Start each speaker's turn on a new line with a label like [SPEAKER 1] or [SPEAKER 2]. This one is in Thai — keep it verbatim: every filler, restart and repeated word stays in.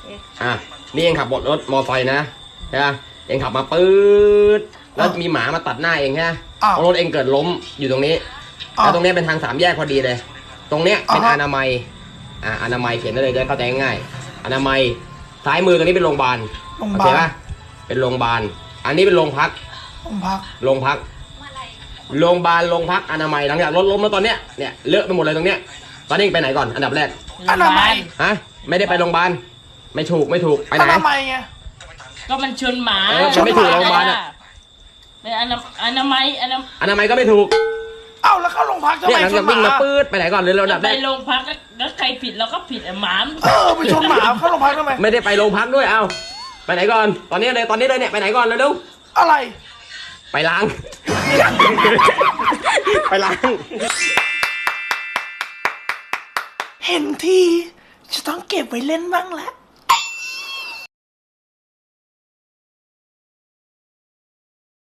[SPEAKER 1] อ่ะนี่เองขับรถมอไซค์นะใช่ไหมเองขับมาปื๊ดแล้วมีหมามาตัดหน้าเองใช่ไหมรถเองเกิดล้มอยู่ตรงนี้แล้วตรงนี้เป็นทางสามแยกพอดีเลยตรงเนี้ยเป็นอนามัยอ่าอนามัยเขียนได้เลยจะเข้าใจง่ายอนามัยซ้ายมือตรงนี้เป็นโรงพยาบาลโอเคป่ะเป็นโรงพยาบาลอันนี้เป็นโรงพักโรงพักโรงพักโรงพยาบาลโรงพักอนามัยหลังจากรถล้มแล้วตอนเนี้ยเนี่ยเลอะไปหมดเลยตรงเนี้ยตอนนี้ไปไหนก่อนอันดับแรก
[SPEAKER 2] อนามัย
[SPEAKER 1] ฮะไม่ได้ไปโรงพยาบาลไม่ถูกไม่ถูกไปไหนอนามัยไง
[SPEAKER 3] ก็มันชนหมา
[SPEAKER 1] เออมันไม่ถูกโรงพยาบาลอ่ะ
[SPEAKER 3] เป็นอนาอนามัยอนา
[SPEAKER 1] อนามัยก็ไม่ถูก
[SPEAKER 2] เอ้าแล้วเข้าโรงพักทำไมชนหมา
[SPEAKER 1] วิ่งมาปื๊ดไปไหนก่อนเลยเราดับ
[SPEAKER 3] ไปโรงพักแล้วใครผิดเราก็ผิดหมา
[SPEAKER 2] เออไปชนหมาเข้าโรงพักทำไม
[SPEAKER 1] ไม่ได้ไปโรงพักด้วยเอ้าไปไหนก่อนตอนนี้เลยตอนนี้เลยเนี่ยไปไหนก่อนเร็ว
[SPEAKER 2] ๆอะไร
[SPEAKER 1] ไปล้างไปล้าง
[SPEAKER 2] เห็นทีจะต้องเก็บไว้เล่นบ้างแล้ว